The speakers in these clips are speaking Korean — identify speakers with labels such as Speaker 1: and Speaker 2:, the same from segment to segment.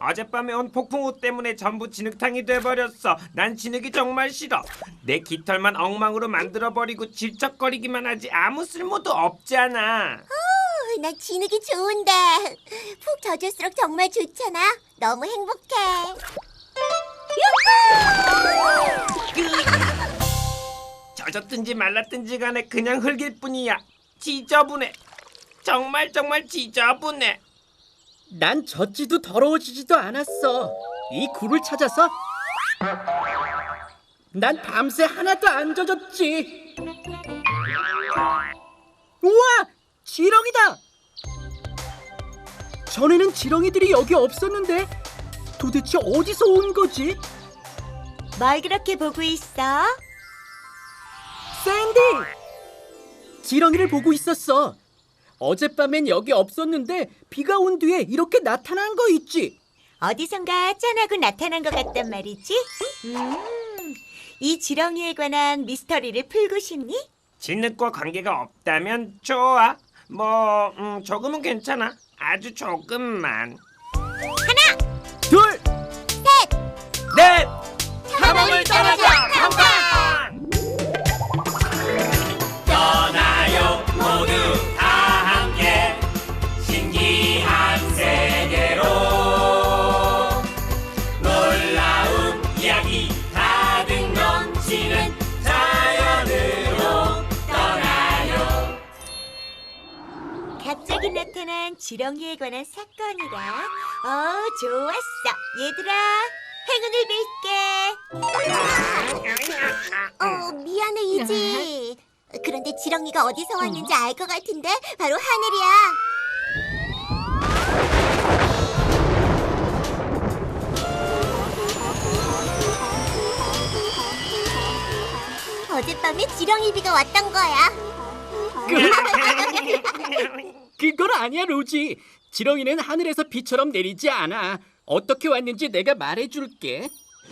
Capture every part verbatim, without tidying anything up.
Speaker 1: 어젯밤에 온 폭풍우 때문에 전부 진흙탕이 돼버렸어. 난 진흙이 정말 싫어. 내 깃털만 엉망으로 만들어버리고 질척거리기만 하지 아무 쓸모도 없잖아.
Speaker 2: 어, 난 진흙이 좋은데 푹 젖을수록 정말 좋잖아. 너무 행복해.
Speaker 1: 젖었든지 말랐든지 간에 그냥 흙일 뿐이야. 지저분해. 정말 정말 지저분해.
Speaker 3: 난 젖지도 더러워지지도 않았어. 이 굴을 찾아서 난 밤새 하나도 안 젖었지. 우와! 지렁이다! 전에는 지렁이들이 여기 없었는데 도대체 어디서 온 거지?
Speaker 2: 뭘 그렇게 보고 있어?
Speaker 3: 샌디! 지렁이를 보고 있었어. 어젯밤엔 여기 없었는데 비가 온 뒤에 이렇게 나타난 거 있지?
Speaker 2: 어디선가 짠하고 나타난 것 같단 말이지? 음, 이 지렁이에 관한 미스터리를 풀고 싶니?
Speaker 1: 진흙과 관계가 없다면 좋아. 뭐 음, 조금은 괜찮아. 아주 조금만.
Speaker 3: 둘!
Speaker 1: 넷!
Speaker 2: 탐험을 떠나자!
Speaker 1: 탐방! 떠나요 모두 다 함께 신기한 세계로 놀라운 이야기 가득 넘치는 자연으로 떠나요.
Speaker 2: 갑자기 나타난 지렁이에 관한 사건이라. 어, 좋았어. 얘들아, 행운을 빌게. 어, 미안해, 이지. 그런데 지렁이가 어디서 왔는지 알 것 같은데 바로 하늘이야. 어젯밤에 지렁이 비가 왔던 거야.
Speaker 3: 그건 아니야, 로지. 지렁이는 하늘에서 비처럼 내리지 않아. 어떻게 왔는지 내가 말해줄게.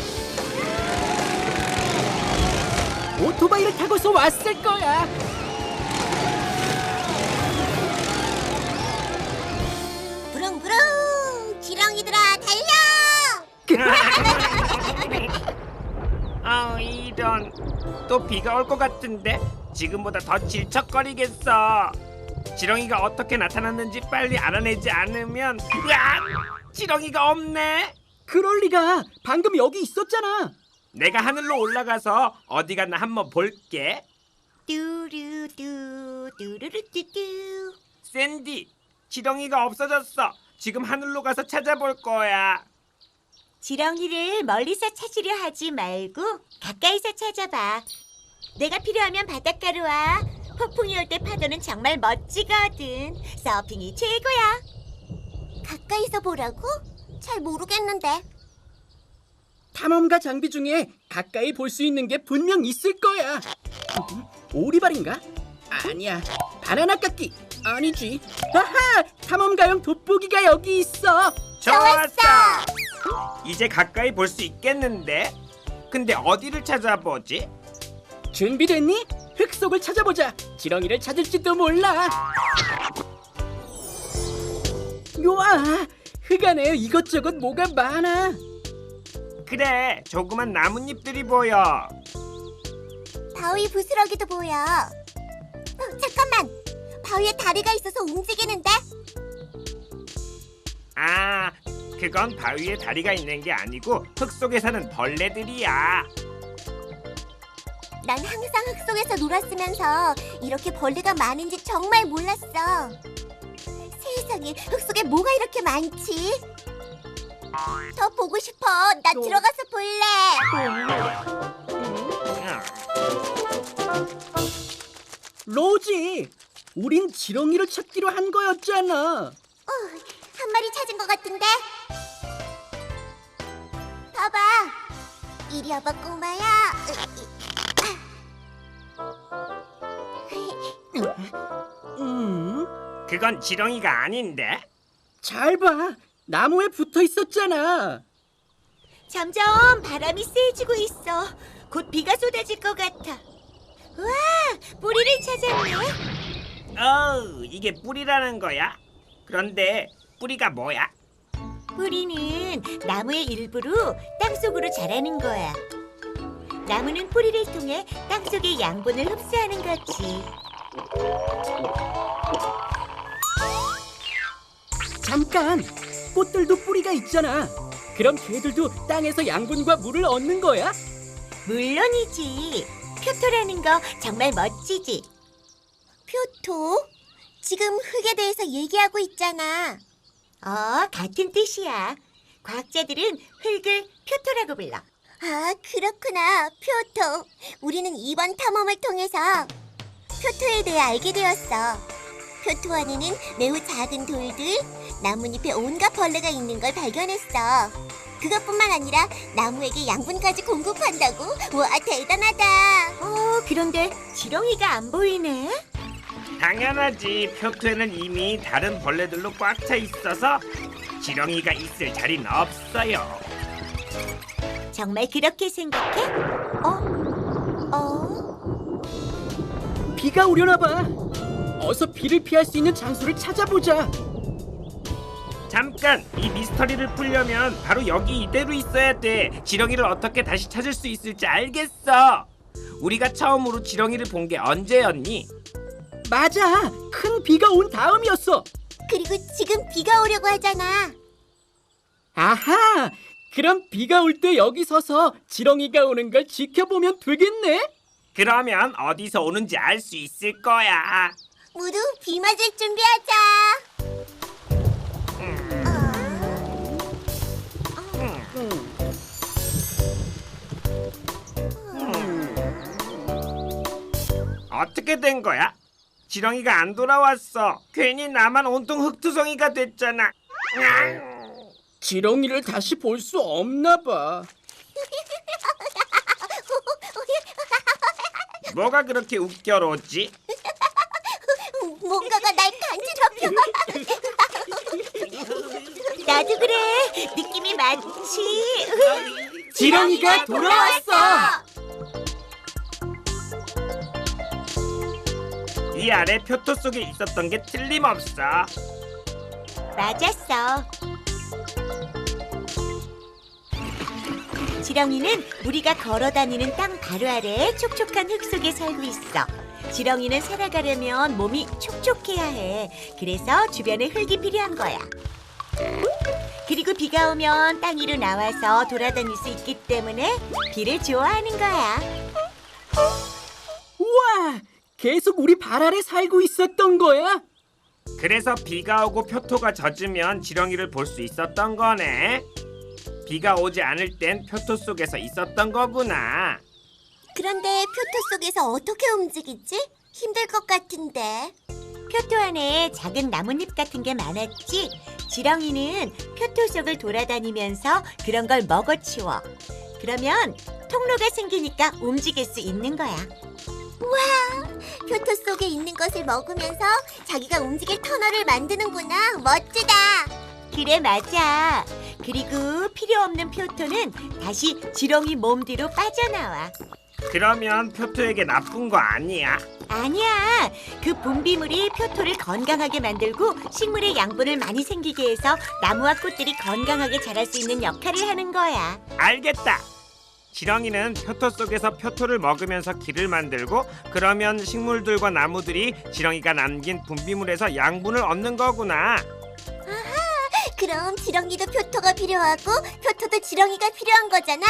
Speaker 3: 오토바이를 타고서 왔을 거야.
Speaker 2: 부릉부릉 지렁이들아 달려.
Speaker 1: 아 이런. 또 비가 올 것 같은데 지금보다 더 질척거리겠어. 지렁이가 어떻게 나타났는지 빨리 알아내지 않으면. 으악! 지렁이가 없네.
Speaker 3: 그럴 리가. 방금 여기 있었잖아.
Speaker 1: 내가 하늘로 올라가서 어디 갔나 한번 볼게.
Speaker 2: 뚜루뚜 뚜루루뚜뚜.
Speaker 1: 샌디, 지렁이가 없어졌어. 지금 하늘로 가서 찾아볼 거야.
Speaker 2: 지렁이를 멀리서 찾으려 하지 말고 가까이서 찾아봐. 내가 필요하면 바닷가로 와. 폭풍이 올 때 파도는 정말 멋지거든. 서핑이 최고야. 가까이서 보라고? 잘 모르겠는데.
Speaker 3: 탐험가 장비 중에 가까이 볼 수 있는 게 분명 있을 거야. 음, 오리발인가? 아니야. 바나나 깎기. 아니지. 아하! 탐험가용 돋보기가 여기 있어.
Speaker 1: 좋았어. 이제 가까이 볼 수 있겠는데? 근데 어디를 찾아보지?
Speaker 3: 준비됐니? 흙 속을 찾아보자. 지렁이를 찾을지도 몰라. 우와! 흙 안에 이것저것 뭐가 많아.
Speaker 1: 그래, 조그만 나뭇잎들이 보여.
Speaker 2: 바위 부스러기도 보여. 어, 잠깐만. 바위에 다리가 있어서 움직이는데?
Speaker 1: 아, 그건 바위에 다리가 있는 게 아니고 흙 속에 사는 벌레들이야.
Speaker 2: 난 항상 흙 속에서 놀았으면서 이렇게 벌레가 많은지 정말 몰랐어. 세상에, 흙 속에 뭐가 이렇게 많지? 더 보고 싶어. 나 들어가서 볼래.
Speaker 3: 로지, 우린 지렁이를 찾기로 한 거였잖아.
Speaker 2: 어, 한 마리 찾은 것 같은데? 봐봐. 이리 와봐, 꼬마야.
Speaker 3: 음,
Speaker 1: 그건 지렁이가 아닌데?
Speaker 3: 잘 봐. 나무에 붙어 있었잖아.
Speaker 2: 점점 바람이 세지고 있어. 곧 비가 쏟아질 것 같아. 우와, 뿌리를 찾았네.
Speaker 1: 어우, 이게 뿌리라는 거야? 그런데 뿌리가 뭐야?
Speaker 4: 뿌리는 나무의 일부로 땅속으로 자라는 거야. 나무는 뿌리를 통해 땅속의 양분을 흡수하는 거지.
Speaker 3: 잠깐! 꽃들도 뿌리가 있잖아. 그럼 걔들도 땅에서 양분과 물을 얻는 거야?
Speaker 4: 물론이지. 표토라는 거 정말 멋지지.
Speaker 2: 표토? 지금 흙에 대해서 얘기하고 있잖아.
Speaker 4: 어, 같은 뜻이야. 과학자들은 흙을 표토라고 불러.
Speaker 2: 아, 그렇구나. 표토. 우리는 이번 탐험을 통해서 표토에 대해 알게 되었어. 표토 안에는 매우 작은 돌들, 나뭇잎에 온갖 벌레가 있는 걸 발견했어. 그것뿐만 아니라 나무에게 양분까지 공급한다고? 와, 대단하다.
Speaker 4: 어, 그런데 지렁이가 안 보이네.
Speaker 1: 당연하지. 표토에는 이미 다른 벌레들로 꽉 차 있어서 지렁이가 있을 자리는 없어요.
Speaker 4: 정말 그렇게 생각해? 어? 어?
Speaker 3: 비가 오려나 봐. 어서 비를 피할 수 있는 장소를 찾아보자.
Speaker 1: 잠깐! 이 미스터리를 풀려면 바로 여기 이대로 있어야 돼. 지렁이를 어떻게 다시 찾을 수 있을지 알겠어. 우리가 처음으로 지렁이를 본 게 언제였니?
Speaker 3: 맞아. 큰 비가 온 다음이었어.
Speaker 2: 그리고 지금 비가 오려고 하잖아.
Speaker 3: 아하! 그럼 비가 올 때 여기 서서 지렁이가 오는 걸 지켜보면 되겠네?
Speaker 1: 그러면 어디서 오는지 알 수 있을 거야.
Speaker 2: 모두 비 맞을 준비하자.
Speaker 1: 어떻게 된 거야? 지렁이가 안 돌아왔어. 괜히 나만 온통 흙투성이가 됐잖아.
Speaker 3: 지렁이를 다시 볼 수 없나 봐.
Speaker 1: 뭐가 그렇게 웃겨로지?
Speaker 2: 뭔가가 날 간지럽혀.
Speaker 4: 나도 그래. 느낌이 많지.
Speaker 3: 지렁이가 돌아왔어.
Speaker 1: 이 아래 표토 속에 있었던 게 틀림없어.
Speaker 4: 맞았어. 지렁이는 우리가 걸어다니는 땅 바로 아래 촉촉한 흙 속에 살고 있어. 지렁이는 살아가려면 몸이 촉촉해야 해. 그래서 주변에 흙이 필요한 거야. 그리고 비가 오면 땅 위로 나와서 돌아다닐 수 있기 때문에 비를 좋아하는 거야.
Speaker 3: 우와! 계속 우리 발 아래 살고 있었던 거야?
Speaker 1: 그래서 비가 오고 표토가 젖으면 지렁이를 볼 수 있었던 거네. 비가 오지 않을 땐 표토 속에서 있었던 거구나.
Speaker 2: 그런데 표토 속에서 어떻게 움직이지? 힘들 것 같은데.
Speaker 4: 표토 안에 작은 나뭇잎 같은 게 많았지. 지렁이는 표토 속을 돌아다니면서 그런 걸 먹어치워. 그러면 통로가 생기니까 움직일 수 있는 거야.
Speaker 2: 표토 속에 있는 것을 먹으면서 자기가 움직일 터널을 만드는구나. 멋지다.
Speaker 4: 그래, 맞아. 그리고 필요 없는 표토는 다시 지렁이 몸 뒤로 빠져나와.
Speaker 1: 그러면 표토에게 나쁜 거 아니야.
Speaker 4: 아니야. 그 분비물이 표토를 건강하게 만들고 식물의 양분을 많이 생기게 해서 나무와 꽃들이 건강하게 자랄 수 있는 역할을 하는 거야.
Speaker 1: 알겠다. 지렁이는 표토 속에서 표토를 먹으면서 길을 만들고, 그러면 식물들과 나무들이 지렁이가 남긴 분비물에서 양분을 얻는 거구나.
Speaker 2: 그럼 지렁이도 표토가 필요하고 표토도 지렁이가 필요한 거잖아.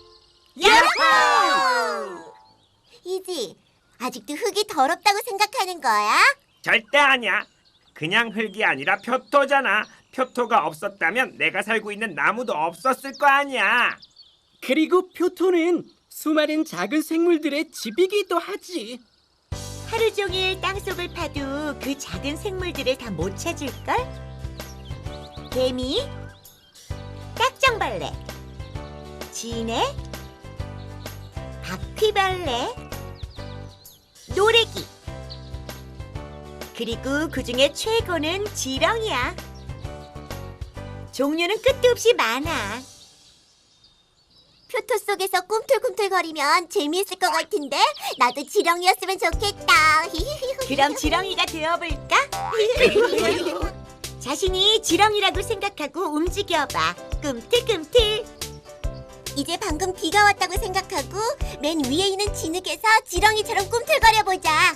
Speaker 4: 야호!
Speaker 2: 이지, 아직도 흙이 더럽다고 생각하는 거야?
Speaker 1: 절대 아니야. 그냥 흙이 아니라 표토잖아. 표토가 없었다면 내가 살고 있는 나무도 없었을 거 아니야.
Speaker 3: 그리고 표토는 수많은 작은 생물들의 집이기도 하지.
Speaker 4: 하루 종일 땅속을 파도 그 작은 생물들을 다 못 찾을걸? 개미, 딱정벌레, 지네, 바퀴벌레, 노래기. 그리고 그중에 최고는 지렁이야. 종류는 끝도 없이 많아.
Speaker 2: 표토 속에서 꿈틀꿈틀거리면 재미있을 것 같은데 나도 지렁이였으면 좋겠다.
Speaker 4: 그럼 지렁이가 되어볼까? 자신이 지렁이라고 생각하고 움직여봐. 꿈틀꿈틀.
Speaker 2: 이제 방금 비가 왔다고 생각하고 맨 위에 있는 진흙에서 지렁이처럼 꿈틀거려보자.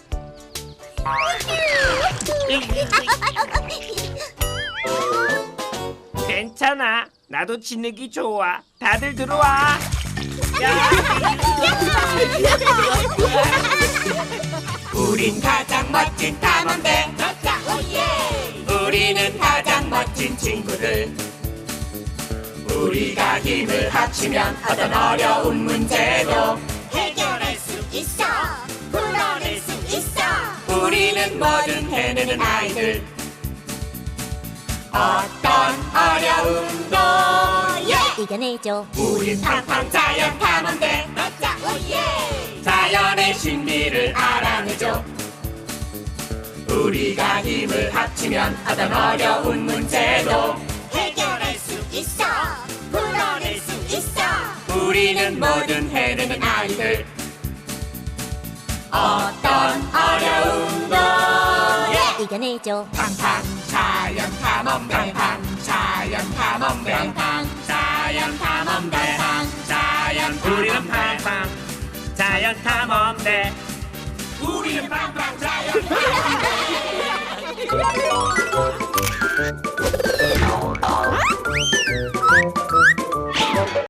Speaker 1: 괜찮아. 나도 진흙이 좋아. 다들 들어와. 우린 가장 멋진 탐험대. 우리는 가장 멋진 친구들. 우리가 힘을 합치면 어떤 어려운 문제도
Speaker 2: 해결할 수 있어. 풀어낼 수 있어.
Speaker 1: 우리는 뭐든 해내는 아이들. 어떤 어려움도
Speaker 2: 이겨내줘.
Speaker 1: 우린 팡팡 자연 탐험대. 자연의 신비를 알아내죠. 우리가 힘을 합치면 어떤 어려운 문제도
Speaker 2: 해결할 수 있어. 풀어낼 수 있어.
Speaker 1: 우리는 뭐든 해내는 아이들. 어떤 어려움도
Speaker 2: 이겨내줘.
Speaker 1: 팡팡 자연 탐험대. 팡팡 자연 탐험대. 팡팡 자연 탐험대. 팡팡 자연 우리는 팡팡 자연 탐험대. 우리는 팡팡 자연 탐험대.